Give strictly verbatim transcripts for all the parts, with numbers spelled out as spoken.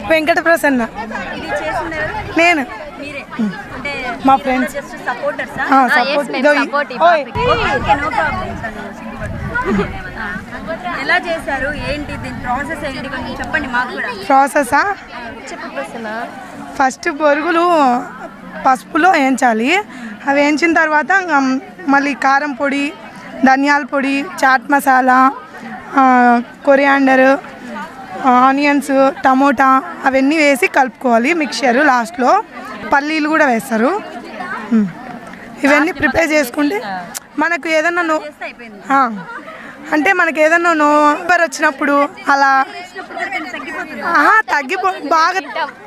వెంకట ప్రసన్న. నేను మా ఫ్రెండ్స్ ఎలా చేశారు, ఏంటి దీని ప్రాసెస్ ఏంటి కొంచెం చెప్పండి మాకు కూడా. ప్రాసెసా? ఫస్ట్ బొరుగులు పసుపులో వేయించాలి. అవి వేయించిన తర్వాత మళ్ళీ కారం పొడి, ధనియాల పొడి, chaat masala, coriander, onions, tomato అవన్నీ వేసి కలుపుకోవాలి మిక్చరు. లాస్ట్లో పల్లీలు కూడా వేస్తారు. ఇవన్నీ ప్రిపేర్ చేసుకుంటే మనకు ఏదన్నా నో అంటే మనకి ఏదన్నా నోవర్ వచ్చినప్పుడు అలా తగ్గిపో బాగా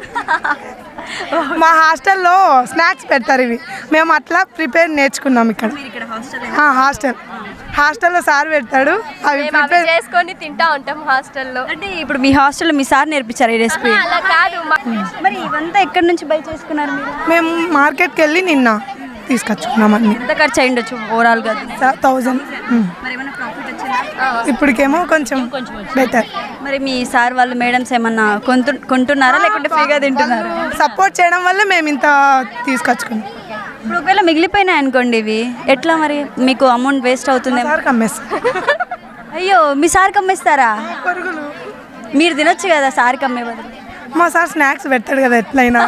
మా హాస్టల్లో స్నాక్స్ పెడతారు. ఇవి మేము అట్లా ప్రిపేర్ నేర్చుకున్నాం ఇక్కడ హాస్టల్ హాస్టల్లో సార్ పెడతాడు. అవి ప్రిపేర్ చేసుకొని తింటా ఉంటాం హాస్టల్లో. అంటే ఇప్పుడు మీ హాస్టల్లో మీ సార్ నేర్పించారు ఈ రెసిపీ? అలా కాదు. మరి ఇవంతా ఎక్కడి నుంచి బై చేసుకున్నారు మీరు? మేము మార్కెట్కి వెళ్ళి నిన్న తీసుకొచ్చుకున్నాం. అన్ని ఎంత ఖర్చు అయ్యిండొచ్చు ఓవరాల్గా? థౌజండ్. ఇప్పటికేమో కొంచెం బెటర్. మరి మీ సార్ వాళ్ళు మేడమ్స్ ఏమన్నా కొంటు కొంటున్నారా లేకుంటే ఫ్రీగా తింటున్నారా? సపోర్ట్ చేయడం వల్ల మేము ఇంత తీసుకొచ్చుకున్నాం. ఇప్పుడు ఒకవేళ మిగిలిపోయినాయి అనుకోండి ఇవి ఎట్లా మరి? మీకు అమౌంట్ వేస్ట్ అవుతుంది. అయ్యో, మీ సార్కి అమ్మేస్తారా? మీరు తినొచ్చు కదా సార్కి అమ్మే బదులు. మా సార్ స్నాక్స్ పెడతాడు కదా ఎట్లయినా.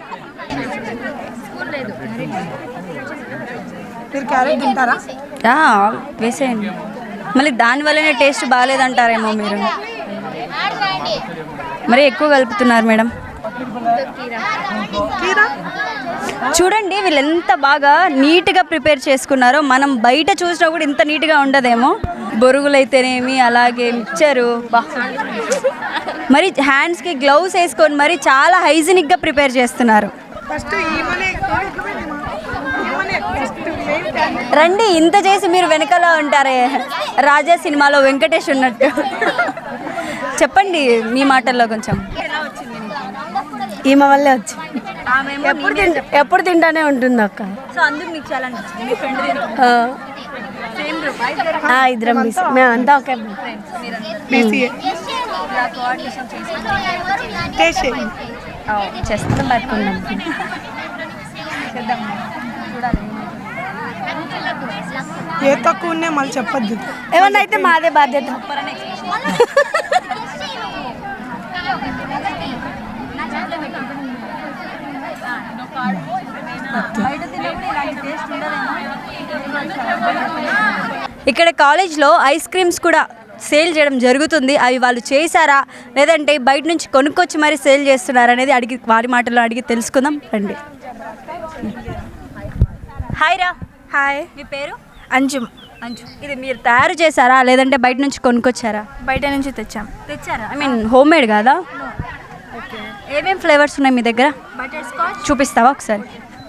మీరు క్యారెట్ తింటారా? వేసేయండి. మళ్ళీ దానివల్లనే టేస్ట్ బాగాలేదంటారేమో మీరు. మరి ఎక్కువ కలుపుతున్నారు మేడం. చూడండి వీళ్ళు ఎంత బాగా నీట్గా ప్రిపేర్ చేసుకున్నారో. మనం బయట చూసినా కూడా ఇంత నీట్గా ఉండదేమో. బొరుగులు అయితేనేమి, అలాగే మిక్చరు, బా మరి హ్యాండ్స్కి గ్లౌస్ వేసుకొని మరి చాలా హైజీనిక్గా ప్రిపేర్ చేస్తున్నారు. రండి, ఇంత చేసి మీరు వెనకాల ఉంటారే రాజా సినిమాలో వెంకటేష్ ఉన్నట్టు. చెప్పండి మీ మాటల్లో కొంచెం. ఈమె వల్లే వచ్చి ఎప్పుడు తింటా ఎప్పుడు తింటానే ఉంటుంది అక్క. సో అందుకు మీకు చాలా నచ్చింది. మీ ఫ్రెండ్ ఇద్దరం మేమంతా ఒకే చేస్తాం పట్టుకున్నాం. ఏ తక్కువ ఉన్నాయి మళ్ళీ చెప్పద్దు. ఏమన్నా అయితే మాదే బాధ్యత. ఇక్కడ కాలేజ్లో ఐస్ క్రీమ్స్ కూడా సేల్ చేయడం జరుగుతుంది. అవి వాళ్ళు చేశారా లేదంటే బయట నుంచి కొనుక్కొచ్చి మరి సేల్ చేస్తున్నారా అనేది అడిగి వారి మాటల్లో అడిగి తెలుసుకుందాం రండి. హాయ్ రా. హాయ్. మీ పేరు? అంజుమ్. అంజు, ఇది మీరు తయారు చేశారా లేదంటే బయట నుంచి కొనుక్కొచ్చారా? బయట నుంచి తెచ్చాం. తెచ్చారా? ఐ మీన్ హోమ్ మేడ్ కాదా? ఓకే. ఏమేమి ఫ్లేవర్స్ ఉన్నాయి మీ దగ్గర? Butterscotch. చూపిస్తావా ఒకసారి?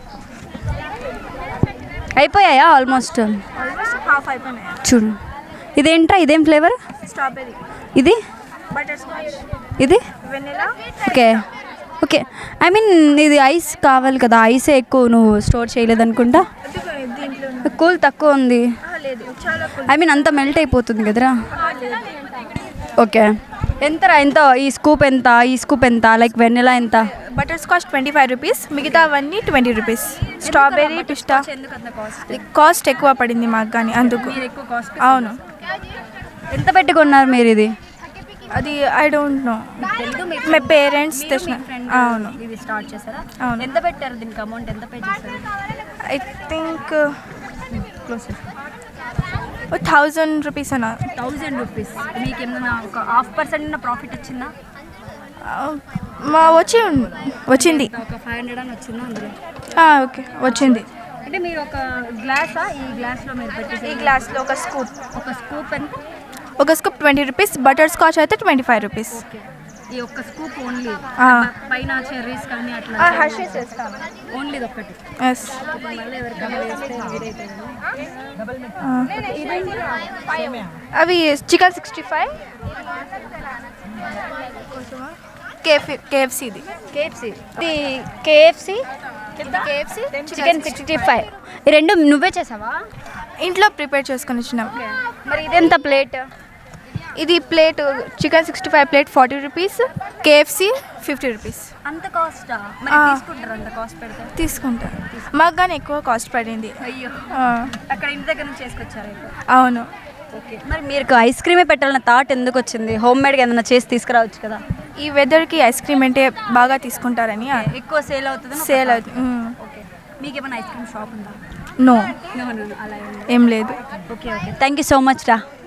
అయిపోయాయా? ఆల్మోస్ట్ ఆల్మోస్ట్ హాఫ్ అయిపోయినాయి. చూడు, ఇదేంట్రా? ఇదేం ఫ్లేవర్? స్ట్రాబెర్రీ. ఇది బటర్ స్కాచ్. ఇది vanilla. Okay okay. I mean ఇది ఐస్ కావాలి కదా, ఐసే ఎక్కువ నువ్వు స్టోర్ చేయలేదనుకుంటా. కూల్ తక్కువ ఉంది. ఐ మీన్ అంత మెల్ట్ అయిపోతుంది కదరా. ఓకే. ఎంతరా? ఎంత ఈ స్కూప్ ఎంత? ఈ స్కూప్ ఎంత? లైక్ వెనిలా ఎంత? Butterscotch twenty five rupees, మిగతా అవన్నీ twenty rupees. Strawberry, pista cost ఎక్కువ పడింది మాకు కానీ అందుకు. అవును. ఎంత పెట్టుకున్నారు మీరు ఇది? అది I don't know. My parents తెచ్చిన. అవును. ఇది స్టార్ట్ చేశారా? అవును. ఎంత పెట్టారు దీనికి? అమౌంట్ ఎంత పే చేశారు? ఐ థింక్ థౌజండ్ రూపీస్ అన్న. Thousand rupees. మీకు ఏమన్నా ఒక హాఫ్ పర్సెంట్ ప్రాఫిట్ వచ్చిందా? మా వచ్చి వచ్చింది. ఒక ఫైవ్ హండ్రెడ్ అని వచ్చిందా అందులో? ఓకే వచ్చింది. అంటే మీరు ఒక గ్లాసా? ఈ గ్లాస్లో మీరు పెట్టేసి ఈ గ్లాస్లో ఒక స్కూప్. ఒక స్కూప్ ఎంత? ఒక scoop twenty rupees. Butterscotch అయితే ట్వంటీ ఫైవ్ రూపీస్. ఈ ఒక్క స్కూప్ ఓన్లీ. పైన చెర్రీస్ కానీ అట్లా హర్షీస్ వేస్తాను. ఓన్లీ ఇది ఒక్కటి. ఎస్. అవి chicken sixty five, KF KFC. ఇది కేఎఫ్సి. ఇది KFC. KFC chicken sixty five. ఈ రెండు నువ్వే చేసావా? ఇంట్లో ప్రిపేర్ చేసుకొని వచ్చినాం. మరి ఇదెంత ప్లేట్? ఇది plate chicken sixty five plate forty rupees, KFC fifty rupees అంత కాస్టా మరి ఆ. తీసుకుంటారు అంత కాస్ట్ పెడితే తీసుకుంటా. మాకు కానీ ఎక్కువ కాస్ట్ పడింది. అయ్యో ఆ, అక్కడ ఇంటి దగ్గర నుంచి చేసుకొచ్చారు అయితే. అవును. ఓకే మరి మీకు ఐస్ క్రీమే పెట్టాలన్న థాట్ ఎందుకు వచ్చింది? హోమ్ మేడ్గా ఏదైనా చేసి తీసుకురావచ్చు కదా. ఈ వెదర్కి ఐస్ క్రీమ్ అంటే బాగా తీసుకుంటారని ఎక్కువ సేల్ అవుతుంది సేల్ అవుతుంది. ఓకే మీకు ఏమైనా ఐస్ క్రీమ్ షాప్ ఉందా? నో, No, no, no, అలా ఏం లేదు. ఏం లేదు. Okay okay thank you so much రా.